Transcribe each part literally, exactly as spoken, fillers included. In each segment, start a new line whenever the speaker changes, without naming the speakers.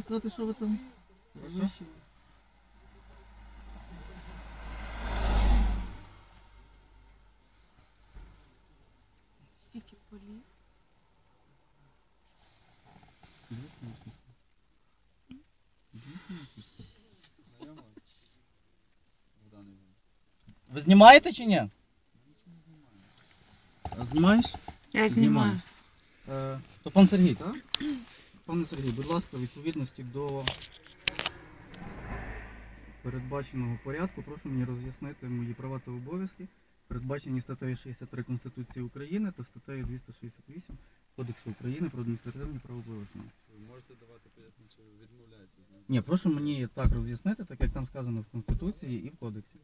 сказати, що ви там?
Прошу?
Стільки полів.
Ви знімаєте чи ні? Знімаєш?
Я
знімаю. Е, то пан Сергій, так? Пане Сергій, будь ласка, в відповідності до передбаченого порядку, прошу мені роз'яснити мої права та обов'язки, передбачені статтею шістдесят три Конституції України та статтею двісті шістдесят вісім Кодексу України про адміністративні правопорушення.
Ви можете давати пояснення, чи ви відмовляєтесь?
Ні, прошу мені так роз'яснити, так як там сказано в Конституції і в Кодексі.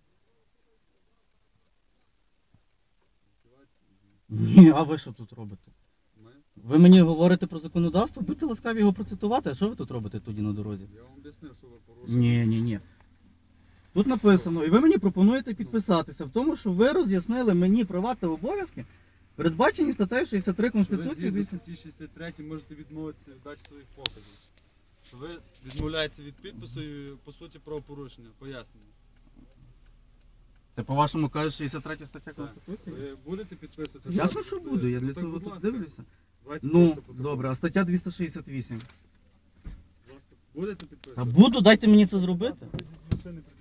Ні, а ви що тут робите?
Ми?
Ви мені говорите про законодавство, будьте ласкаві його процитувати, а що ви тут робите тоді на дорозі?
Я вам об'яснив, що ви порушили.
Ні, ні, ні. Тут написано, і ви мені пропонуєте підписатися в тому, що ви роз'яснили мені права та обов'язки, передбачені статтею шістдесят три
Що ви
Конституції.
згідно статті шістдесят три можете відмовитися від дачі своїх показів. Що ви відмовляєтеся від підпису і, по суті, правопорушення. Пояснення.
Це по-вашому каже шістдесят третя стаття
Так.
Конституції?
Ви будете підписувати?
Ясно, що буду, я для
Ну, так,
цього
будь
тут
ласка.
дивлюся.
Давайте
Ну,
просто протокол.
добре, а стаття двісті шістдесят вісім?
Будь ласка. Будете
Та
підписувати?
буду, дайте мені це зробити.
Машини